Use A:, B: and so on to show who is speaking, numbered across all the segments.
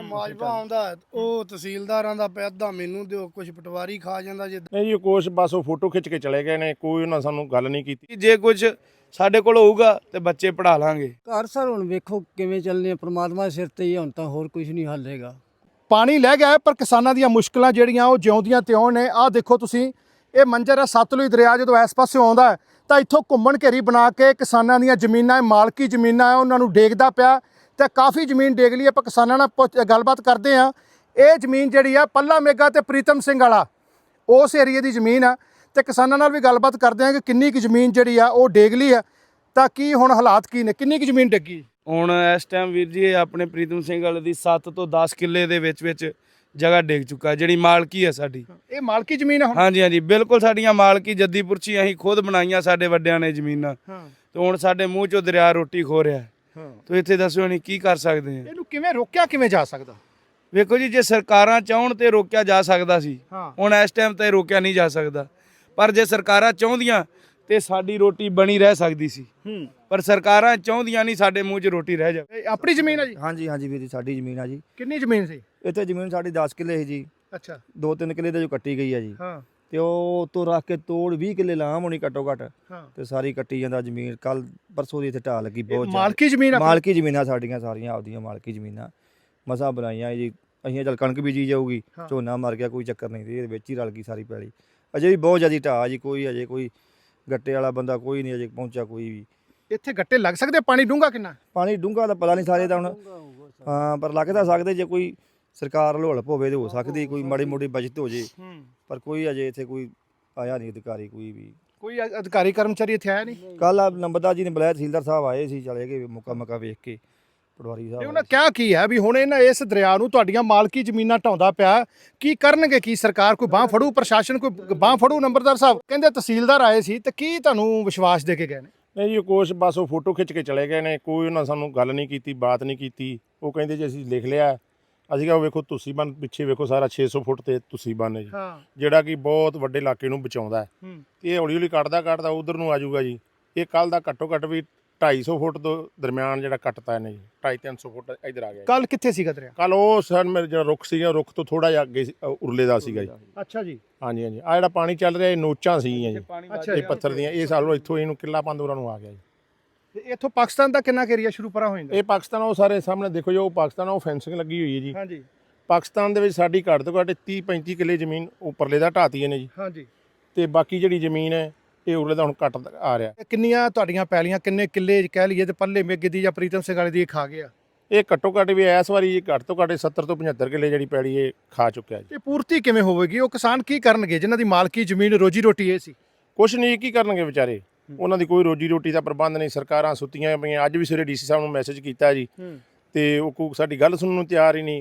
A: ਮਾਜਵਾ ਆਉਂਦਾ ਉਹ ਤਹਿਸੀਲਦਾਰਾਂ ਦਾ ਪੈਦਾ ਮੈਨੂੰ ਦਿਓ, ਕੁਝ ਪਟਵਾਰੀ ਖਾ ਜਾਂਦਾ ਜੇ
B: ਨਹੀਂ ਜੀ ਕੁਛ ਬਸ ਉਹ ਫੋਟੋ ਖਿੱਚ ਕੇ ਚਲੇ ਗਏ ਨੇ, ਕੋਈ ਉਹਨਾਂ ਸਾਨੂੰ ਗੱਲ ਨਹੀਂ ਕੀਤੀ। ਜੇ ਕੁਝ ਸਾਡੇ ਕੋਲ ਹੋਊਗਾ ਤੇ ਬੱਚੇ ਪੜ੍ਹਾ ਲਾਂਗੇ।
C: ਘਰ ਸਰ ਹੁਣ ਵੇਖੋ ਕਿਵੇਂ ਚੱਲਨੇ ਆ, ਪ੍ਰਮਾਤਮਾ ਦੇ ਸਿਰ ਤੇ ਹੀ ਹੁਣ ਤਾਂ ਹੋਰ ਕੁਝ ਨਹੀਂ ਹੱਲ ਹੈਗਾ।
D: ਪਾਣੀ ਲੈ ਗਿਆ ਪਰ ਕਿਸਾਨਾਂ ਦੀਆਂ ਮੁਸ਼ਕਲਾਂ ਜਿਹੜੀਆਂ ਉਹ ਜਿਉਂਦੀਆਂ ਤਿਉਂ ਨੇ। ਆਹ ਦੇਖੋ ਤੁਸੀਂ, ਇਹ ਮੰਜ਼ਰ ਹੈ ਸਤਲੁਜ ਦਰਿਆ ਜਦੋਂ ਇਸ ਪਾਸੇ ਆਉਂਦਾ ਹੈ ਤਾਂ ਇੱਥੋਂ ਘੁੰਮਣ ਘੇਰੀ ਬਣਾ ਕੇ ਕਿਸਾਨਾਂ ਦੀਆਂ ਜ਼ਮੀਨਾਂ, ਮਾਲਕੀ ਜ਼ਮੀਨਾਂ ਹੈ, ਉਹਨਾਂ ਨੂੰ ਡੇਗਦਾ ਪਿਆ ਤੇ ਕਾਫੀ ਜ਼ਮੀਨ ਡੇਗ ਲਈ। ਆਪਾਂ ਕਿਸਾਨਾਂ ਨਾਲ ਗੱਲਬਾਤ ਕਰਦੇ ਹਾਂ। ਇਹ ਜ਼ਮੀਨ ਜਿਹੜੀ ਆ ਪੱਲਾ ਮੇਗਾ ਤੇ ਪ੍ਰੀਤਮ ਸਿੰਘ ਵਾਲਾ ਉਸ ਏਰੀਏ ਦੀ ਜ਼ਮੀਨ ਆ ਤੇ ਕਿਸਾਨਾਂ ਨਾਲ ਵੀ ਗੱਲਬਾਤ ਕਰਦੇ ਹਾਂ ਕਿ ਕਿੰਨੀ ਕੁ ਜ਼ਮੀਨ ਜਿਹੜੀ ਆ ਉਹ ਡੇਗ ਲਈ ਆ, ਤਾਂ ਕੀ ਹੁਣ ਹਾਲਾਤ ਕੀ ਨੇ, ਕਿੰਨੀ ਕੁ ਜ਼ਮੀਨ ਡਿੱਗੀ।
E: ਹੁਣ ਇਸ ਟਾਈਮ ਵੀਰ ਜੀ ਇਹ ਆਪਣੇ ਪ੍ਰੀਤਮ ਸਿੰਘ ਵਾਲੇ ਦੀ 7 ਤੋਂ 10 ਕਿੱਲੇ ਦੇ ਵਿੱਚ ਜਗ੍ਹਾ ਡਿੱਗ ਚੁੱਕਾ, ਜਿਹੜੀ ਮਾਲਕੀ ਹੈ ਸਾਡੀ।
D: ਇਹ ਮਾਲਕੀ ਜ਼ਮੀਨ ਹੈ ਹੁਣ?
E: ਹਾਂਜੀ ਹਾਂਜੀ ਬਿਲਕੁਲ ਸਾਡੀਆਂ ਮਾਲਕੀ ਜੱਦੀਪੁਰਚੀ ਅਸੀਂ ਖੁਦ ਬਣਾਈਆਂ, ਸਾਡੇ ਵੱਡਿਆਂ ਨੇ ਜ਼ਮੀਨਾਂ। ਤੇ ਹੁਣ ਸਾਡੇ ਮੂੰਹ ਚੋਂ ਦਰਿਆ ਰੋਟੀ ਖੋ ਰਿਹਾ। ਤੋ ਇੱਥੇ ਦੱਸੋ ਨਹੀਂ ਕੀ ਕਰ ਸਕਦੇ ਆ?
D: ਇਹਨੂੰ ਕਿਵੇਂ ਰੋਕਿਆ ਕਿਵੇਂ ਜਾ ਸਕਦਾ?
E: ਵੇਖੋ ਜੀ, ਜੇ ਸਰਕਾਰਾਂ ਚਾਹਣ ਤੇ ਰੋਕਿਆ ਜਾ ਸਕਦਾ ਸੀ। ਹੁਣ ਇਸ ਟਾਈਮ ਤੇ ਰੋਕਿਆ ਨਹੀਂ ਜਾ ਸਕਦਾ, ਪਰ ਜੇ ਸਰਕਾਰਾਂ ਚਾਹੁੰਦੀਆਂ ਤੇ ਸਾਡੀ ਰੋਟੀ ਬਣੀ ਰਹਿ ਸਕਦੀ ਸੀ। ਪਰ ਸਰਕਾਰਾਂ ਚਾਹੁੰਦੀਆਂ ਨਹੀਂ ਸਾਡੇ ਮੂੰਹ 'ਚ ਰੋਟੀ ਰਹਿ ਜਾਵੇ।
D: ਆਪਣੀ ਜ਼ਮੀਨ ਹੈ ਜੀ?
F: ਹਾਂਜੀ ਹਾਂਜੀ ਵੀਰ ਜੀ, ਸਾਡੀ ਜ਼ਮੀਨ ਆ ਜੀ।
D: ਕਿੰਨੀ ਜ਼ਮੀਨ ਸੀ
F: ਇੱਥੇ? ਜ਼ਮੀਨ ਸਾਡੀ 10 ਕਿੱਲੇ ਸੀ ਜੀ।
D: ਅੱਛਾ।
F: 2-3 ਕਿੱਲੇ ਤੇ ਜੋ ਕੱਟੀ ਗਈ ਆ ਜੀ।
D: ਹਾਂ।
F: ਤੇ ਉਹ ਉੱਤੋਂ ਰੱਖ ਕੇ ਤੋੜ 20 ਕਿੱਲੇ ਲਾਮ ਹੋਣੀ ਘੱਟੋ ਘੱਟ।
D: ਹਾਂ।
F: ਤੇ ਸਾਰੀ ਕੱਟੀ ਜਾਂਦਾ ਜ਼ਮੀਨ। ਕੱਲ ਪਰਸੋਂ ਦੀ ਇੱਥੇ ਢਾਹ ਲੱਗੀ ਬਹੁਤ ਜ਼ਿਆਦਾ।
D: ਮਾਲਕੀ ਜ਼ਮੀਨ?
F: ਮਾਲਕੀ ਜ਼ਮੀਨਾਂ ਸਾਡੀਆਂ ਸਾਰੀਆਂ ਆਪਦੀਆਂ ਮਾਲਕੀ ਜ਼ਮੀਨਾਂ ਮਸਾਂ ਬਣਾਈਆਂ ਜੀ। ਅਸੀਂ ਚੱਲ ਕਣਕ ਬੀਜੀ ਜਾਊਗੀ, ਝੋਨਾ ਮਰ ਗਿਆ, ਕੋਈ ਚੱਕਰ ਨਹੀਂ ਸੀ, ਇਹਦੇ ਵਿੱਚ ਹੀ ਰਲ ਗਈ ਸਾਰੀ ਪੈਲੀ। ਅਜੇ ਵੀ ਬਹੁਤ ਜ਼ਿਆਦਾ ਢਾਹ ਜੀ, ਕੋਈ ਅਜੇ ਕੋਈ ਗੱਟੇ ਵਾਲਾ ਬੰਦਾ ਕੋਈ ਨਹੀਂ ਅਜੇ ਪਹੁੰਚਿਆ ਕੋਈ ਵੀ।
D: ਇੱਥੇ ਗੱਟੇ ਲੱਗ ਸਕਦੇ? ਪਾਣੀ ਡੂੰਘਾ ਕਿੰਨਾ?
F: ਪਾਣੀ ਡੂੰਘਾ ਤਾਂ ਪਤਾ ਨਹੀਂ ਸਾਰੇ ਦਾ ਹੁਣ। ਹਾਂ, ਪਰ ਲੱਗ ਤਾਂ ਸਕਦੇ, ਜੇ ਕੋਈ ਸਰਕਾਰ ਹਲਪ ਹੋਵੇ ਤੇ ਹੋ ਸਕਦੀ, ਕੋਈ ਮਾੜੀ ਮੋਟੀ ਬਚਤ ਹੋ ਜੇ। ਪਰ ਕੋਈ ਅਜੇ ਇੱਥੇ ਕੋਈ ਆਇਆ ਨਹੀਂ ਅਧਿਕਾਰੀ,
D: ਕੋਈ ਅਧਿਕਾਰੀ ਕਰਮਚਾਰੀ ਇੱਥੇ ਆਇਆ ਨਹੀਂ?
F: ਕੱਲ ਨੰਬਰਦਾਰ ਜੀ ਨੇ ਬੁਲਾਇਆ, ਤਹਿਸੀਲਦਾਰ ਸਾਹਿਬ ਆਏ ਸੀ, ਚਲੇ ਗਏ ਮੌਕਾ ਵੇਖ ਕੇ। ਪਟਵਾਰੀ ਸਾਹਿਬ
D: ਉਹਨਾਂ ਕਿਹਾ ਕੀ ਹੈ ਵੀ ਹੁਣ ਇਹਨਾਂ ਇਸ ਦਰਿਆ ਨੂੰ ਤੁਹਾਡੀਆਂ ਮਾਲਕੀ ਜ਼ਮੀਨਾਂ ਢਾਉਂਦਾ ਪਿਆ, ਕੀ ਕਰਨਗੇ? ਕੀ ਸਰਕਾਰ ਕੋਈ ਬਾਹ ਫੜੂ, ਪ੍ਰਸ਼ਾਸਨ ਕੋਈ ਬਾਹ ਫੜੂ? ਨੰਬਰਦਾਰ ਸਾਹਿਬ ਕਹਿੰਦੇ ਤਹਿਸੀਲਦਾਰ ਆਏ ਸੀ, ਤੇ ਕੀ ਤੁਹਾਨੂੰ ਵਿਸ਼ਵਾਸ ਦੇ ਕੇ ਗਏ ਨੇ?
B: ਨਹੀਂ ਜੀ ਕੁਛ ਬਸ ਉਹ ਫੋਟੋ ਖਿੱਚ ਕੇ ਚਲੇ ਗਏ ਨੇ, ਕੋਈ ਉਹਨਾਂ ਸਾਨੂੰ ਗੱਲ ਨਹੀਂ ਕੀਤੀ, ਬਾਤ ਨਹੀਂ ਕੀਤੀ। ਉਹ ਕਹਿੰਦੇ ਜੀ ਅਸੀਂ ਲਿਖ ਲਿਆ। ਅਸੀਂ ਕਿਹਾ ਵੇਖੋ ਤੁਸੀਂ ਬੰਨ ਪਿੱਛੇ ਵੇਖੋ, ਸਾਰਾ 600 ਫੁੱਟ ਤੇ ਤੁਸੀਂ ਬੰਨ ਹੈ ਜੀ, ਜਿਹੜਾ ਕਿ ਬਹੁਤ ਵੱਡੇ ਇਲਾਕੇ ਨੂੰ ਬਚਾਉਂਦਾ ਹੈ। ਤੇ ਇਹ ਹੌਲੀ ਹੌਲੀ ਕੱਟਦਾ ਉਧਰ ਨੂੰ ਆ ਜਾਊਗਾ ਜੀ। ਇਹ ਕੱਲ ਦਾ ਘੱਟੋ ਘੱਟ ਵੀ 250 ਫੁੱਟ ਤੋਂ ਦਰਮਿਆਨ ਜਿਹੜਾ ਕੱਟਤਾ ਇਹਨੇ ਜੀ, 250-300 ਫੁੱਟ ਇੱਧਰ ਆ ਗਿਆ।
D: ਕੱਲ ਕਿੱਥੇ ਸੀਗਾ ਦਰਿਆ?
B: ਕੱਲ ਉਹ ਸਰ ਮੇਰੇ ਜਿਹੜਾ ਰੁੱਖ ਸੀਗਾ, ਰੁੱਖ ਤੋਂ ਥੋੜਾ ਜਿਹਾ ਅੱਗੇ ਉਰਲੇ ਦਾ ਸੀਗਾ ਜੀ।
D: ਅੱਛਾ ਜੀ।
B: ਹਾਂਜੀ ਹਾਂਜੀ। ਆ ਜਿਹੜਾ ਪਾਣੀ ਚੱਲ ਰਿਹਾ ਇਹ ਨੋਚਾਂ ਸੀਗੀਆਂ ਜੀ, ਇਹ ਪੱਥਰ ਦੀਆਂ। ਇਹ ਸਾਲ ਇੱਥੋਂ ਇਹਨੂੰ ਕਿੱਲਾ ਪੰਦੂਰਾਂ ਨੂੰ ਆ ਗਿਆ ਜੀ।
D: ਇੱਥੋਂ ਪਾਕਿਸਤਾਨ ਦਾ ਕਿੰਨਾ ਏਰੀਆ ਸ਼ੁਰੂ ਪਰਾਂ ਹੋ ਜਾਂਦਾ?
B: ਇਹ ਪਾਕਿਸਤਾਨ ਉਹ ਸਾਰੇ ਸਾਹਮਣੇ ਦੇਖੋ ਜੀ, ਉਹ ਪਾਕਿਸਤਾਨ ਉਹ ਫੈਂਸਿੰਗ ਲੱਗੀ ਹੋਈ ਹੈ ਜੀ।
D: ਹਾਂਜੀ।
B: ਪਾਕਿਸਤਾਨ ਦੇ ਵਿੱਚ ਸਾਡੀ ਘੱਟ ਤੋਂ ਘੱਟ 30-35 ਕਿੱਲੇ ਜ਼ਮੀਨ ਉੱਪਰਲੇ ਦਾ ਢਾਤੀ ਇਹਨੇ ਜੀ।
D: ਹਾਂਜੀ।
B: ਤੇ ਬਾਕੀ ਜਿਹੜੀ ਜ਼ਮੀਨ ਹੈ ਇਹ ਉਰਲੇ ਦਾ ਹੁਣ ਘੱਟ ਆ ਰਿਹਾ।
D: ਕਿੰਨੀਆਂ ਤੁਹਾਡੀਆਂ ਪੈਲੀਆਂ, ਕਿੰਨੇ ਕਿੱਲੇ ਕਹਿ ਲਈਏ ਤੇ ਪੱਲੇ ਮੇਗੇ ਦੀ ਜਾਂ ਪ੍ਰੀਤਮ ਸਿੰਘ ਵਾਲੇ ਦੀ ਇਹ ਖਾ ਗਿਆ?
B: ਇਹ ਘੱਟੋ ਘੱਟ ਵੀ ਇਸ ਵਾਰੀ ਘੱਟ ਤੋਂ ਘੱਟ 70 ਤੋਂ 75 ਕਿੱਲੇ ਜਿਹੜੀ ਪੈਲੀ ਇਹ ਖਾ ਚੁੱਕਿਆ ਜੀ।
D: ਤੇ ਪੂਰਤੀ ਕਿਵੇਂ ਹੋਵੇਗੀ? ਉਹ ਕਿਸਾਨ ਕੀ ਕਰਨਗੇ ਜਿਨ੍ਹਾਂ ਦੀ ਮਾਲਕੀ ਜ਼ਮੀਨ, ਰੋਜੀ ਰੋਟੀ ਇਹ ਸੀ?
B: ਕੁਛ ਨਹੀਂ, ਕੀ ਕਰਨਗੇ ਵਿਚਾਰੇ? ਉਹਨਾਂ ਦੀ ਕੋਈ ਰੋਜੀ ਰੋਟੀ ਦਾ ਪ੍ਰਬੰਧ ਨਹੀਂ, ਸਰਕਾਰਾਂ ਸੁੱਤੀਆਂ ਪਈਆਂ। ਅੱਜ ਵੀ ਸਵੇਰੇ ਡੀਸੀ ਸਾਹਿਬ ਨੂੰ ਮੈਸੇਜ ਕੀਤਾ ਜੀ, ਤੇ ਉਹ ਕੋਈ ਸਾਡੀ ਗੱਲ ਸੁਣਨ ਨੂੰ ਤਿਆਰ ਹੀ ਨਹੀਂ।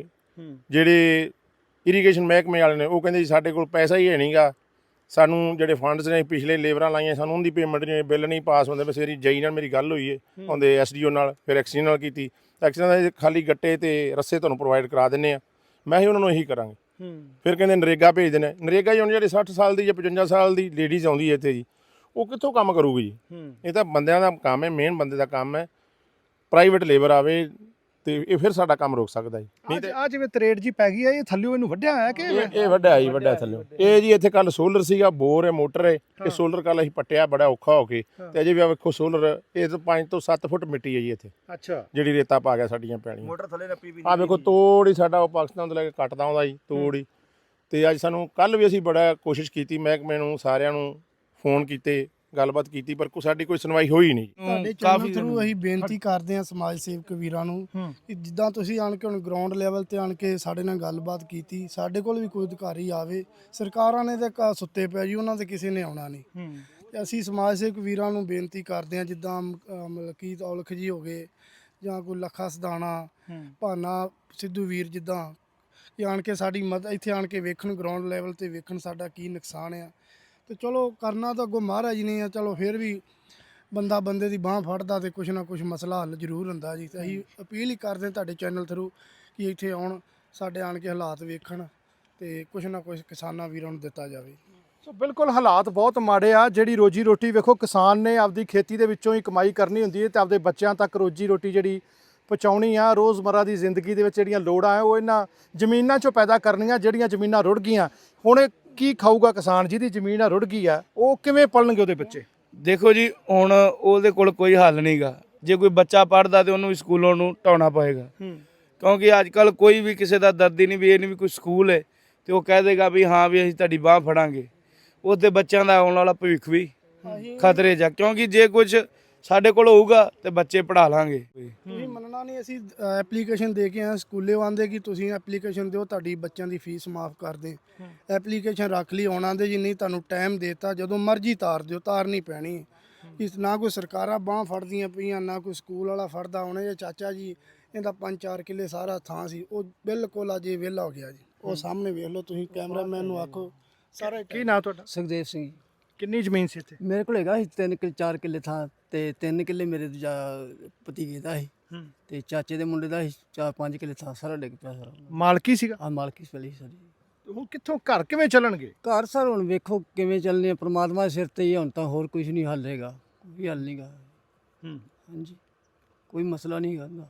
B: ਜਿਹੜੇ ਇਰੀਗੇਸ਼ਨ ਮਹਿਕਮੇ ਵਾਲੇ ਨੇ ਉਹ ਕਹਿੰਦੇ ਜੀ ਸਾਡੇ ਕੋਲ ਪੈਸਾ ਹੀ ਹੈ ਨਹੀਂਗਾ, ਸਾਨੂੰ ਜਿਹੜੇ ਫੰਡਸ ਨੇ ਪਿਛਲੇ ਲੇਬਰਾਂ ਲਾਈਆਂ ਸਾਨੂੰ ਉਹਦੀ ਪੇਮੈਂਟ ਨਹੀਂ, ਬਿੱਲ ਨਹੀਂ ਪਾਸ ਹੁੰਦੇ। ਬਸ ਮੇਰੀ ਜਈ ਨਾਲ ਮੇਰੀ ਗੱਲ ਹੋਈ ਹੈ, ਉਹਦੇ ਐਸਡੀਓ ਨਾਲ, ਫਿਰ ਐਕਸੀ ਨਾਲ ਕੀਤੀ। ਐਕਸੀਡੈਂਟ ਦਾ ਖਾਲੀ ਗੱਟੇ ਤੇ ਰੱਸੇ ਤੁਹਾਨੂੰ ਪ੍ਰੋਵਾਈਡ ਕਰਾ ਦਿੰਦੇ ਆ। ਮੈਂ ਹੀ ਉਹਨਾਂ ਨੂੰ ਇਹੀ ਕਰਾਂਗੇ। ਫਿਰ ਕਹਿੰਦੇ ਨਰੇਗਾ ਭੇਜ ਦੇਣਾ। ਨਰੇਗਾ ਜੀ ਹੁਣ ਜਿਹੜੀ 60 ਸਾਲ ਦੀ ਜਾਂ 55 ਸਾਲ ਦੀ ਲੇਡੀਜ਼ ਆਉਂਦੀ ਹੈ ਇੱਥੇ ਜੀ, ਉਹ ਕਿੱਥੋਂ ਕੰਮ ਕਰੂਗੀ ਜੀ? ਇਹ ਤਾਂ ਬੰਦਿਆਂ ਦਾ ਕੰਮ ਹੈ, ਮੇਨ ਬੰਦੇ ਦਾ ਕੰਮ ਹੈ। ਪ੍ਰਾਈਵੇਟ ਲੇਬਰ ਆਵੇ ਤੇ ਇਹ ਫਿਰ ਸਾਡਾ ਕੰਮ ਰੋਕ ਸਕਦਾ ਜੀ। ਨਹੀਂ ਤੇ
D: ਆ ਜਿਵੇਂ ਤਰੇੜ ਜੀ ਪੈ ਗਈ ਹੈ, ਇਹ ਥੱਲਿਓ ਇਹਨੂੰ ਵੱਢਿਆ ਹੋਇਆ ਕਿ
B: ਇਹ ਵੱਡਾ ਜੀ, ਵੱਡਾ ਥੱਲੇ। ਇਹ ਜੀ ਇੱਥੇ ਕੱਲ ਸੋਲਰ ਸੀਗਾ, ਬੋਰ ਹੈ, ਮੋਟਰ ਹੈ। ਇਹ ਸੋਲਰ ਕੱਲ ਅਸੀਂ ਪੱਟਿਆ ਬੜਾ ਔਖਾ ਹੋ ਕੇ, ਤੇ ਅਜੇ ਵੀ ਆ ਵੇਖੋ ਸੋਲਰ, ਇਹ ਤੋਂ 5 ਤੋਂ 7 ਫੁੱਟ ਮਿੱਟੀ ਹੈ ਜੀ ਇੱਥੇ।
D: ਅੱਛਾ।
B: ਜਿਹੜੀ ਰੇਤਾ ਪਾ ਗਿਆ ਸਾਡੀਆਂ ਪੈਣੀਆਂ।
F: ਮੋਟਰ ਥੱਲੇ ਨੱਪੀ ਵੀ
B: ਆ ਵੇਖੋ ਤੋੜ ਹੀ ਸਾਡਾ ਉਹ ਪਾਕਿਸਤਾਨ ਤੋਂ ਲੈ ਕੇ ਕੱਟਦਾ ਆਉਂਦਾ ਜੀ, ਤੋੜ ਹੀ। ਤੇ ਅੱਜ ਸਾਨੂੰ ਕੱਲ ਵੀ ਅਸੀਂ ਬੜਾ ਕੋਸ਼ਿਸ਼ ਕੀਤੀ, ਮਹਿਕਮੇ ਨੂੰ ਸਾਰਿਆਂ ਨੂੰ ਫੋਨ ਕੀਤੇ, ਗੱਲਬਾਤ ਕੀਤੀ, ਪਰ ਸਾਡੀ ਕੋਈ ਸੁਣਵਾਈ ਹੋਈ ਨਹੀਂ।
A: ਤੁਹਾਡੇ ਚੈਨਲ ਥਰੂ ਅਸੀਂ ਬੇਨਤੀ ਕਰਦੇ ਹਾਂ ਸਮਾਜ ਸੇਵਕ ਵੀਰਾਂ ਨੂੰ ਕਿ ਜਿੱਦਾਂ ਤੁਸੀਂ ਆਣ ਕੇ ਹੁਣ ਗਰਾਊਂਡ ਲੈਵਲ ਤੇ ਆਣ ਕੇ ਸਾਡੇ ਨਾਲ ਗੱਲਬਾਤ ਕੀਤੀ, ਸਾਡੇ ਕੋਲ ਵੀ ਕੋਈ ਅਧਿਕਾਰੀ ਆਵੇ। ਸਰਕਾਰਾਂ ਨੇ ਤਾਂ ਸੁੱਤੇ ਪਿਆ ਜੀ, ਉਹਨਾਂ ਤੇ ਕਿਸੇ ਨੇ ਆਉਣਾ ਨਹੀਂ। ਤੇ ਅਸੀਂ ਸਮਾਜ ਸੇਵਕ ਵੀਰਾਂ ਨੂੰ ਬੇਨਤੀ ਕਰਦੇ ਹਾਂ, ਜਿੱਦਾਂ ਮਲਕੀਤ ਔਲਖ ਜੀ ਹੋ ਗਏ ਜਾਂ ਕੋਈ ਲੱਖਾ ਸਦਾਣਾ, ਭਾਨਾ ਸਿੱਧੂ ਵੀਰ, ਜਿੱਦਾਂ ਇਹ ਆਣ ਕੇ ਸਾਡੀ ਮਦਦ ਇੱਥੇ ਆਣ ਕੇ ਵੇਖਣ, ਗਰਾਊਂਡ ਲੈਵਲ ਤੇ ਵੇਖਣ ਸਾਡਾ ਕੀ ਨੁਕਸਾਨ ਆ। ਤੇ ਚਲੋ ਕਰਨਾ ਤਾਂ ਅੱਗੋਂ ਮਹਾਰਾਜ ਨੇ ਆ, ਚਲੋ ਫਿਰ ਵੀ ਬੰਦਾ ਬੰਦੇ ਦੀ ਬਾਂਹ ਫੜਦਾ ਤੇ ਕੁਛ ਨਾ ਕੁਛ ਮਸਲਾ ਹੱਲ ਜ਼ਰੂਰ ਹੁੰਦਾ ਜੀ। ਤੇ ਅਸੀਂ ਅਪੀਲ ਹੀ ਕਰਦੇ ਤੁਹਾਡੇ ਚੈਨਲ ਥਰੂ ਕਿ ਇੱਥੇ ਆਉਣ, ਸਾਡੇ ਆਣ ਕੇ ਹਾਲਾਤ ਵੇਖਣ ਤੇ ਕੁਛ ਨਾ ਕੁਛ ਕਿਸਾਨਾਂ ਵੀਰਾਂ ਨੂੰ ਦਿੱਤਾ ਜਾਵੇ।
D: ਸੋ ਬਿਲਕੁਲ ਹਾਲਾਤ ਬਹੁਤ ਮਾੜੇ ਆ। ਜਿਹੜੀ ਰੋਜੀ ਰੋਟੀ ਵੇਖੋ, ਕਿਸਾਨ ਨੇ ਆਪਦੀ ਖੇਤੀ ਦੇ ਵਿੱਚੋਂ ਹੀ ਕਮਾਈ ਕਰਨੀ ਹੁੰਦੀ ਹੈ ਤੇ ਆਪਦੇ ਬੱਚਿਆਂ ਤੱਕ ਰੋਜੀ ਰੋਟੀ ਜਿਹੜੀ ਪਹੁੰਚਾਉਣੀ ਆ, ਰੋਜ਼ਮਰਾ ਦੀ ਜ਼ਿੰਦਗੀ ਦੇ ਵਿੱਚ ਜਿਹੜੀਆਂ ਲੋੜਾਂ ਆ ਉਹ ਇਹਨਾਂ ਜ਼ਮੀਨਾਂ 'ਚੋਂ ਪੈਦਾ ਕਰਨੀਆਂ। ਜਿਹੜੀਆਂ ਜ਼ਮੀਨਾਂ ਰੁੜ ਗਈਆਂ, ਹੁਣ ਇਹ ਕੀ ਖਾਊਗਾ ਕਿਸਾਨ? ਜਿਹਦੀ ਜ਼ਮੀਨ ਆ ਰੁੜ ਗਈ ਆ, ਉਹ ਕਿਵੇਂ ਪਲਣਗੇ ਉਹਦੇ ਬੱਚੇ?
E: ਦੇਖੋ ਜੀ, ਹੁਣ ਉਹਦੇ ਕੋਲ ਕੋਈ ਹੱਲ ਨਹੀਂਗਾ। ਜੇ ਕੋਈ ਬੱਚਾ ਪੜ੍ਹਦਾ ਤੇ ਉਹਨੂੰ ਸਕੂਲੋਂ ਨੂੰ ਹਟਾਉਣਾ ਪਏਗਾ, ਕਿਉਂਕਿ ਅੱਜ ਕੱਲ ਕੋਈ ਵੀ ਕਿਸੇ ਦਾ ਦਰਦ ਹੀ ਨਹੀਂ ਵੀ ਇਹ ਨਹੀਂ ਵੀ ਕੋਈ ਸਕੂਲ ਹੈ ਤੇ ਉਹ ਕਹਿ ਦੇਗਾ ਵੀ ਹਾਂ ਵੀ ਅਸੀਂ ਤੁਹਾਡੀ ਬਾਂਹ ਫੜਾਂਗੇ। ਉਹਦੇ ਬੱਚਿਆਂ ਦਾ ਆਉਣ ਵਾਲਾ ਭਵਿੱਖ ਵੀ ਖਤਰੇ 'ਚ ਆ, ਕਿਉਂਕਿ ਜੇ ਕੁਝ ਸਾਡੇ ਕੋਲ ਹੋਊਗਾ ਤੇ ਬੱਚੇ ਪੜ੍ਹਾ ਲਾਂਗੇ।
A: ਤੁਸੀਂ ਮੰਨਣਾ ਨਹੀਂ, ਅਸੀਂ ਐਪਲੀਕੇਸ਼ਨ ਦੇ ਕੇ ਆਏ ਸਕੂਲੇ, ਆਂਦੇ ਕਿ ਤੁਸੀਂ ਐਪਲੀਕੇਸ਼ਨ ਦਿਓ, ਤੁਹਾਡੀ ਬੱਚਿਆਂ ਦੀ ਫੀਸ ਮਾਫ ਕਰ ਦੇ। ਐਪਲੀਕੇਸ਼ਨ ਰੱਖ ਲਈ, ਆਉਣਾ ਦੇ ਜੀ ਨਹੀਂ ਤੁਹਾਨੂੰ ਟਾਈਮ ਦੇਤਾ, ਜਦੋਂ ਮਰਜ਼ੀ ਤਾਰ ਦਿਓ, ਤਾਰਨੀ ਪੈਣੀ। ਇਸ ਨਾ ਕੋਈ ਸਰਕਾਰਾਂ ਬਾਂਹ ਫੜਦੀਆਂ ਪਈਆਂ, ਨਾ ਕੋਈ ਸਕੂਲ ਵਾਲਾ ਫੜਦਾ। ਹੁਣ ਇਹ ਚਾਚਾ ਜੀ, ਇਹਦਾ 5-4 ਕਿੱਲੇ ਸਾਰਾ ਥਾਂ ਸੀ, ਉਹ ਬਿਲਕੁਲ ਅਜੇ ਵਿਹਲਾ ਹੋ ਗਿਆ ਜੀ। ਉਹ ਸਾਹਮਣੇ ਵੇਖ ਲਓ ਤੁਸੀਂ, ਕੈਮਰਾਮੈਨ ਨੂੰ ਆਖੋ। ਸਾਰਾ
D: ਕੀ ਨਾਂ ਤੁਹਾਡਾ?
C: ਸੁਖਦੇਵ ਸਿੰਘ।
D: ਕਿੰਨੀ ਜ਼ਮੀਨ ਸੀ ਇੱਥੇ?
C: ਮੇਰੇ ਕੋਲ ਹੈਗਾ ਸੀ 3-4 ਕਿੱਲੇ ਥਾਂ, ਤੇ 3 ਕਿੱਲੇ ਮੇਰੇ ਦੂਜਾ ਭਤੀਜੇ ਦਾ ਸੀ, ਤੇ ਚਾਚੇ ਦੇ ਮੁੰਡੇ ਦਾ ਸੀ 4-5 ਕਿੱਲੇ ਥਾਂ, ਸਾਰਾ ਡਿੱਗ ਪਿਆ ਸਾਰਾ।
D: ਮਾਲਕੀ ਸੀਗਾ?
C: ਆ ਮਾਲਕੀ ਪਹਿਲੀ ਸਾਡੀ।
D: ਹੁਣ ਕਿੱਥੋਂ ਘਰ ਕਿਵੇਂ ਚੱਲਣਗੇ?
C: ਘਰ ਸਰ ਹੁਣ ਵੇਖੋ ਕਿਵੇਂ ਚੱਲਣੇ ਆ, ਪ੍ਰਮਾਤਮਾ ਦੇ ਸਿਰ ਤੇ ਹੀ ਆ, ਹੁਣ ਤਾਂ ਹੋਰ ਕੁਝ ਨਹੀਂ ਹੱਲ ਹੈਗਾ, ਕੋਈ ਹੱਲ ਨਹੀਂਗਾ। ਹਾਂਜੀ, ਕੋਈ ਮਸਲਾ ਨਹੀਂ ਹੈਗਾ।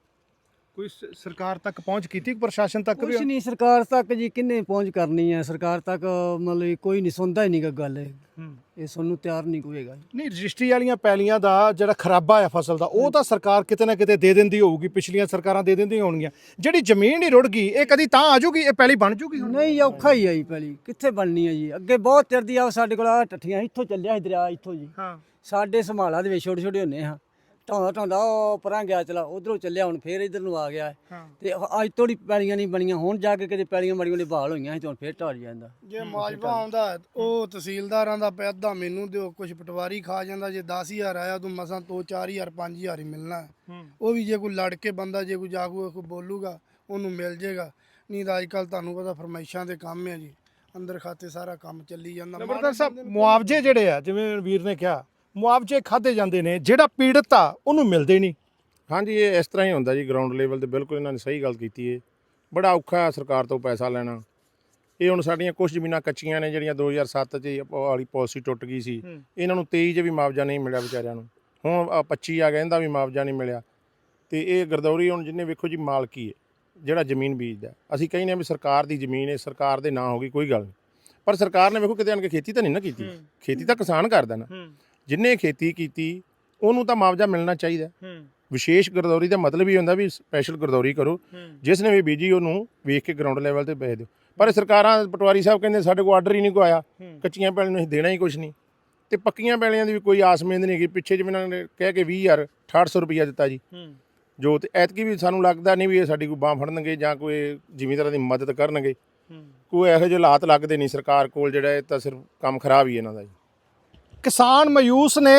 D: ਕੋਈ ਸਰਕਾਰ ਤੱਕ ਪਹੁੰਚ ਕੀਤੀ, ਪ੍ਰਸ਼ਾਸਨ ਤੱਕ ਵੀ?
C: ਕੁਛ ਨਹੀਂ, ਸਰਕਾਰ ਤੱਕ ਜੀ ਕਿੰਨੇ ਪਹੁੰਚ ਕਰਨੀ ਹੈ? ਸਰਕਾਰ ਤੱਕ ਮਤਲਬ ਕੋਈ ਨਹੀਂ ਸੁਣਦਾ ਹੀ ਨਹੀਂਗਾ ਗੱਲ ਇਹ ਸੁਣਨ ਨੂੰ ਤਿਆਰ ਨਹੀਂ ਕੋਈ ਹੈਗਾ।
D: ਨਹੀਂ, ਰਜਿਸਟਰੀ ਵਾਲੀਆਂ ਪੈਲੀਆਂ ਦਾ ਜਿਹੜਾ ਖਰਾਬਾ ਆ ਫਸਲ ਦਾ, ਉਹ ਤਾਂ ਸਰਕਾਰ ਕਿਤੇ ਨਾ ਕਿਤੇ ਦੇ ਦਿੰਦੀ ਹੋਊਗੀ, ਪਿਛਲੀਆਂ ਸਰਕਾਰਾਂ ਦੇ ਦਿੰਦੀਆਂ ਹੋਣਗੀਆਂ। ਜਿਹੜੀ ਜ਼ਮੀਨ ਹੀ ਰੁੜ ਗਈ, ਇਹ ਕਦੀ ਤਾਂ ਆ ਜਾਊਗੀ, ਇਹ ਪੈਲੀ ਬਣ ਜੂਗੀ? ਹੁਣ
C: ਨਹੀਂ, ਔਖਾ ਹੀ ਆਈ ਪਹਿਲੀ ਕਿੱਥੇ ਬਣਨੀ ਹੈ ਜੀ। ਅੱਗੇ ਬਹੁਤ ਚਿਰ ਦੀ ਆ, ਸਾਡੇ ਕੋਲ ਆ ਟੱਠੀਆਂ ਇੱਥੋਂ ਚੱਲਿਆ ਸੀ ਦਰਿਆ ਇੱਥੋਂ ਜੀ।
D: ਹਾਂ,
C: ਸਾਡੇ ਸੰਭਾਲਾ ਦੇ ਵਿੱਚ ਛੋਟੇ ਛੋਟੇ ਹੁੰਦੇ ਹਾਂ, ਢਾਉਂਦਾ ਉਹ ਪਰਾਂ ਗਿਆ ਚਲਾ, ਉਧਰੋਂ ਚੱਲਿਆ, ਹੁਣ ਫੇਰ ਇਧਰ ਨੂੰ ਆ ਗਿਆ। ਤੇ ਅੱਜ ਤੋੜੀ ਪੈਲੀਆਂ ਨਹੀਂ ਬਣੀਆਂ, ਹੁਣ ਜਾ ਕੇ ਕਿਤੇ ਪੈਲੀਆਂ ਮੜੀਆਂ ਨੇ ਬਹਾਲ ਹੋਈਆਂ ਸੀ, ਤੇ ਹੁਣ ਫੇਰ ਢਾਲ ਜਾਂਦਾ।
A: ਜੇ ਮਾਜਵਾ ਆਉਂਦਾ ਉਹ ਤਹਿਸੀਲਦਾਰਾਂ ਦਾ ਪੈਦਾ ਮੈਨੂੰ ਦਿਓ, ਕੁਝ ਪਟਵਾਰੀ ਖਾ ਜਾਂਦਾ। ਜੇ 10,000 ਆਇਆ ਤੂੰ ਮਸਾਂ 2-4,000 5,000 ਹੀ ਮਿਲਣਾ। ਉਹ ਵੀ ਜੇ ਕੋਈ ਲੜ ਕੇ ਬੰਦਾ, ਜੇ ਕੋਈ ਜਾਗੂ ਕੋਈ ਬੋਲੂਗਾ ਉਹਨੂੰ ਮਿਲ ਜੇਗਾ, ਨਹੀਂ ਤਾਂ ਅੱਜ ਕੱਲ ਤੁਹਾਨੂੰ ਪਤਾ ਫਰਮਾਇਸ਼ਾਂ ਦੇ ਕੰਮ ਹੈ ਜੀ, ਅੰਦਰ ਖਾਤੇ ਸਾਰਾ ਕੰਮ ਚੱਲੀ ਜਾਂਦਾ।
D: ਨੰਬਰਦਾਰ ਸਾਹਿਬ, ਮੁਆਵਜ਼ੇ ਜਿਹੜੇ ਆ, ਜਿਵੇਂ ਵੀਰ ਨੇ ਕਿਹਾ, ਮੁਆਵਜ਼ੇ ਖਾਦੇ ਜਾਂਦੇ ਨੇ, ਜਿਹੜਾ ਪੀੜਤ ਆ ਉਹਨੂੰ ਮਿਲਦੇ ਨਹੀਂ।
B: ਹਾਂਜੀ, ਇਹ ਇਸ ਤਰ੍ਹਾਂ ਹੀ ਹੁੰਦਾ ਜੀ ਗਰਾਊਂਡ ਲੈਵਲ ਤੇ। ਬਿਲਕੁਲ ਇਹਨਾਂ ਨੇ ਸਹੀ ਗੱਲ ਕੀਤੀ ਹੈ। ਬੜਾ ਔਖਾ ਸਰਕਾਰ ਤੋਂ ਪੈਸਾ ਲੈਣਾ। ਇਹ ਹੁਣ ਸਾਡੀਆਂ ਕੁਝ ਜ਼ਮੀਨਾਂ ਕੱਚੀਆਂ ਨੇ, ਜਿਹੜੀਆਂ 2007 'ਚ ਵਾਲੀ ਪਾਲਿਸੀ ਟੁੱਟ ਗਈ ਸੀ, ਇਹਨਾਂ ਨੂੰ 23 'ਚ ਵੀ ਮੁਆਵਜ਼ਾ ਨਹੀਂ ਮਿਲਿਆ ਵਿਚਾਰਿਆਂ ਨੂੰ। ਹੁਣ 25 ਆ ਗਿਆ, ਇਹਦਾ ਵੀ ਮੁਆਵਜ਼ਾ ਨਹੀਂ ਮਿਲਿਆ। ਤੇ ਇਹ ਗਰਦੌਰੀ ਹੁਣ ਜਿੰਨੇ ਵੇਖੋ ਜੀ ਮਾਲਕੀ ਹੈ, ਜਿਹੜਾ ਜ਼ਮੀਨ ਬੀਜਦਾ। ਅਸੀਂ ਕਹਿੰਦੇ ਹਾਂ ਵੀ ਸਰਕਾਰ ਦੀ ਜ਼ਮੀਨ ਹੈ, ਸਰਕਾਰ ਦੇ ਨਾਂ ਹੋ ਗਈ, ਕੋਈ ਗੱਲ ਨਹੀਂ, ਪਰ ਸਰਕਾਰ ਨੇ ਵੇਖੋ ਕਿਤੇ ਆਣ ਕੇ ਖੇਤੀ ਤਾਂ ਨਹੀਂ ਨਾ ਕੀਤੀ। ਖੇਤੀ ਤਾਂ ਕਿਸਾਨ ਕਰਦਾ ਨਾ। ਜਿੰਨੇ ਖੇਤੀ ਕੀਤੀ ਉਹਨੂੰ ਤਾਂ ਮੁਆਵਜ਼ਾ ਮਿਲਣਾ ਚਾਹੀਦਾ। ਵਿਸ਼ੇਸ਼ ਗਰਦੌਰੀ ਦਾ ਮਤਲਬ ਹੀ ਹੁੰਦਾ ਵੀ ਸਪੈਸ਼ਲ ਗਰਦੌਰੀ ਕਰੋ, ਜਿਸ ਨੇ ਵੀ ਬੀਜੀ ਉਹਨੂੰ ਵੇਖ ਕੇ ਗਰਾਊਂਡ ਲੈਵਲ ਤੇ ਪੈਸੇ ਦਿਓ। ਪਰ ਸਰਕਾਰਾਂ, ਪਟਵਾਰੀ ਸਾਹਿਬ ਕਹਿੰਦੇ ਸਾਡੇ ਕੋਲ ਆਰਡਰ ਹੀ ਨਹੀਂ ਕੋਈ ਆਇਆ, ਕੱਚੀਆਂ ਪੈਲੀਆਂ ਨੂੰ ਅਸੀਂ ਦੇਣਾ ਹੀ ਕੁਛ ਨਹੀਂ, ਤੇ ਪੱਕੀਆਂ ਪੈਲੀਆਂ ਦੀ ਵੀ ਕੋਈ ਆਸ ਉਮੀਦ ਨਹੀਂ ਹੈਗੀ। ਪਿੱਛੇ ਜਿਵੇਂ ਇਹਨਾਂ ਨੇ ਕਹਿ ਕੇ 20,6800 ਰੁਪਈਆ ਦਿੱਤਾ ਜੀ, ਜੋ ਤੇ ਐਤਕੀ ਵੀ ਸਾਨੂੰ ਲੱਗਦਾ ਨਹੀਂ ਵੀ ਇਹ ਸਾਡੀ ਕੋਈ ਬਾਂਹ ਫੜਨਗੇ ਜਾਂ ਕੋਈ ਜ਼ਿਮੀਂਦਾਰਾਂ ਦੀ ਮਦਦ ਕਰਨਗੇ। ਕੋਈ ਇਹੋ ਜਿਹੇ ਹਾਲਾਤ ਲੱਗਦੇ ਨਹੀਂ ਸਰਕਾਰ ਕੋਲ, ਜਿਹੜਾ ਇਹ ਤਾਂ ਸਿਰਫ ਕੰਮ ਖਰਾਬ ਹੀ ਇਹਨਾਂ ਦਾ ਜੀ।
D: ਕਿਸਾਨ ਮਾਯੂਸ ਨੇ,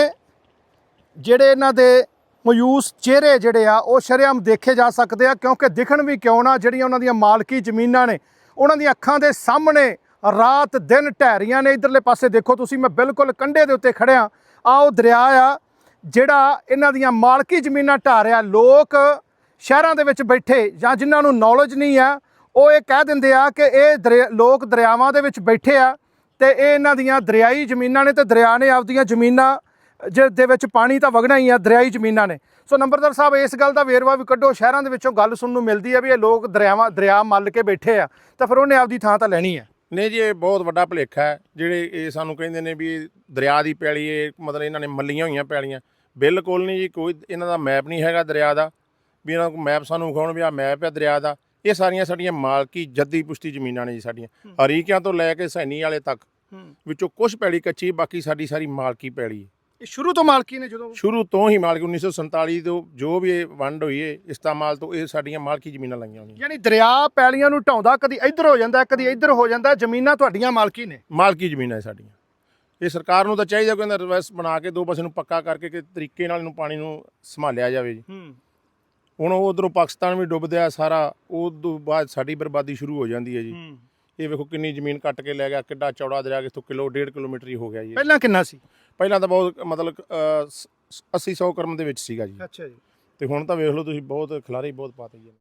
D: ਜਿਹੜੇ ਇਹਨਾਂ ਦੇ ਮਾਯੂਸ ਚਿਹਰੇ ਜਿਹੜੇ ਆ ਉਹ ਸ਼ਰੇਆਮ ਦੇਖੇ ਜਾ ਸਕਦੇ ਆ, ਕਿਉਂਕਿ ਦਿਖਣ ਵੀ ਕਿਉਂ ਨਾ, ਜਿਹੜੀਆਂ ਉਹਨਾਂ ਦੀਆਂ ਮਾਲਕੀ ਜ਼ਮੀਨਾਂ ਨੇ ਉਹਨਾਂ ਦੀਆਂ ਅੱਖਾਂ ਦੇ ਸਾਹਮਣੇ ਰਾਤ ਦਿਨ ਢਹਿ ਰਹੀਆਂ ਨੇ। ਇਧਰਲੇ ਪਾਸੇ ਦੇਖੋ ਤੁਸੀਂ, ਮੈਂ ਬਿਲਕੁਲ ਕੰਢੇ ਦੇ ਉੱਤੇ ਖੜਿਆ। ਉਹ ਦਰਿਆ ਆ ਜਿਹੜਾ ਇਹਨਾਂ ਦੀਆਂ ਮਾਲਕੀ ਜ਼ਮੀਨਾਂ ਢਾਹ ਰਿਹਾ। ਲੋਕ ਸ਼ਹਿਰਾਂ ਦੇ ਵਿੱਚ ਬੈਠੇ ਜਾਂ ਜਿਨ੍ਹਾਂ ਨੂੰ ਨੌਲੇਜ ਨਹੀਂ ਆ, ਉਹ ਇਹ ਕਹਿ ਦਿੰਦੇ ਆ ਕਿ ਇਹ ਲੋਕ ਦਰਿਆਵਾਂ ਦੇ ਵਿੱਚ ਬੈਠੇ ਆ ਤੇ ਇਹ ਇਹਨਾਂ ਦੀਆਂ ਦਰਿਆਈ ਜ਼ਮੀਨਾਂ ਨੇ, ਤੇ ਦਰਿਆ ਨੇ ਆਪਦੀਆਂ ਜ਼ਮੀਨਾਂ ਦੇ ਵਿੱਚ ਪਾਣੀ ਤਾਂ ਵਗਣਾ ਹੀ ਆ, ਦਰਿਆਈ ਜ਼ਮੀਨਾਂ ਨੇ। ਸੋ ਨੰਬਰਦਾਰ ਸਾਹਿਬ, ਇਸ ਗੱਲ ਦਾ ਵੇਰਵਾ ਵੀ ਕੱਢੋ। ਸ਼ਹਿਰਾਂ ਦੇ ਵਿੱਚੋਂ ਗੱਲ ਸੁਣਨ ਨੂੰ ਮਿਲਦੀ ਆ ਵੀ ਇਹ ਲੋਕ ਦਰਿਆ ਮੱਲ ਕੇ ਬੈਠੇ ਆ, ਤਾਂ ਫਿਰ ਉਹਨੇ ਆਪਦੀ ਥਾਂ ਤਾਂ ਲੈਣੀ ਆ।
B: ਨਹੀਂ ਜੀ, ਇਹ ਬਹੁਤ ਵੱਡਾ ਭੁਲੇਖਾ ਹੈ। ਜਿਹੜੇ ਇਹ ਸਾਨੂੰ ਕਹਿੰਦੇ ਨੇ ਵੀ ਇਹ ਦਰਿਆ ਦੀ ਪੈਲੀ, ਇਹ ਮਤਲਬ ਇਹਨਾਂ ਨੇ ਮੱਲੀਆਂ ਹੋਈਆਂ ਪੈਲੀਆਂ, ਬਿਲਕੁਲ ਨਹੀਂ ਜੀ। ਕੋਈ ਇਹਨਾਂ ਦਾ ਮੈਪ ਨਹੀਂ ਹੈਗਾ ਦਰਿਆ ਦਾ, ਵੀ ਇਹਨਾਂ ਨੂੰ ਮੈਪ ਸਾਨੂੰ ਵਿਖਾਉਣ ਵੀ ਆਹ ਮੈਪ ਹੈ ਦਰਿਆ ਦਾ। ਇਹ ਸਾਰੀਆਂ ਸਾਡੀਆਂ ਮਾਲਕੀ ਜੱਦੀ ਪੁਸ਼ਤੀ ਜ਼ਮੀਨਾਂ ਨੇ ਜੀ ਸਾਡੀਆਂ, ਹਰੀਕਿਆਂ ਤੋਂ ਲੈ ਕੇ ਸੈਣੀ ਵਾਲੇ ਤੱਕ, ਵਿੱਚੋਂ ਕੁਝ ਪੈਲੀ ਕੱਚੀ, ਬਾਕੀ ਸਾਡੀ ਸਾਰੀ ਮਾਲਕੀ ਪੈਲੀ।
D: ਇਹ ਸ਼ੁਰੂ ਤੋਂ ਮਾਲਕੀ ਨੇ, ਜਦੋਂ
B: ਸ਼ੁਰੂ ਤੋਂ ਹੀ ਮਾਲਕੀ 1947 ਤੋਂ ਜੋ ਵੀ ਇਹ ਵੰਡ ਹੋਈ ਹੈ ਇਸਤੇਮਾਲ ਤੋਂ, ਇਹ ਸਾਡੀਆਂ ਮਾਲਕੀ ਜ਼ਮੀਨਾਂ ਲਾਈਆਂ ਹੋਈਆਂ।
D: ਯਾਨੀ ਦਰਿਆ ਪੈਲੀਆਂ ਨੂੰ ਢਾਉਂਦਾ, ਕਦੀ ਇੱਧਰ ਹੋ ਜਾਂਦਾ, ਕਦੀ ਇੱਧਰ ਹੋ ਜਾਂਦਾ, ਜ਼ਮੀਨਾਂ ਤੁਹਾਡੀਆਂ ਮਾਲਕੀ ਨੇ,
B: ਮਾਲਕੀ ਜ਼ਮੀਨਾਂ ਸਾਡੀਆਂ। ਇਹ ਸਰਕਾਰ ਨੂੰ ਤਾਂ ਚਾਹੀਦਾ ਕਿ ਇਹਨਾਂ ਰਿਵਰਸ ਬਣਾ ਕੇ ਦੋ ਪਾਸੇ ਨੂੰ ਪੱਕਾ ਕਰਕੇ ਕਿ ਤਰੀਕੇ ਨਾਲ ਇਹਨੂੰ ਪਾਣੀ ਨੂੰ ਸੰਭਾਲਿਆ ਜਾਵੇ ਜੀ। ਹੁਣ ਉਹ ਉਧਰੋਂ ਪਾਕਿਸਤਾਨ ਵੀ ਡੁੱਬਦਿਆ ਸਾਰਾ, ਉਹ ਤੋਂ ਬਾਅਦ ਸਾਡੀ ਬਰਬਾਦੀ ਸ਼ੁਰੂ ਹੋ ਜਾਂਦੀ ਹੈ ਜੀ। ਇਹ ਵੇਖੋ ਕਿੰਨੀ ਜ਼ਮੀਨ ਕੱਟ ਕੇ ਲੈ ਗਿਆ, ਕਿੱਡਾ ਚੌੜਾ ਦਰਿਆ, ਕਿਥੋਂ 1.5 ਕਿਲੋਮੀਟਰ ਹੀ ਹੋ ਗਿਆ ਜੀ।
D: ਪਹਿਲਾਂ ਕਿੰਨਾ ਸੀ?
B: ਪਹਿਲਾਂ ਤਾਂ ਬਹੁਤ ਮਤਲਬ 80-100 ਕਰਮ ਦੇ ਵਿੱਚ ਸੀਗਾ ਜੀ।
D: ਅੱਛਾ ਜੀ।
B: ਤੇ ਹੁਣ ਤਾਂ ਵੇਖ ਲਓ ਤੁਸੀਂ, ਬਹੁਤ ਖਿਲਾਰੇ ਬਹੁਤ ਪਾਤੇ ਜੀ।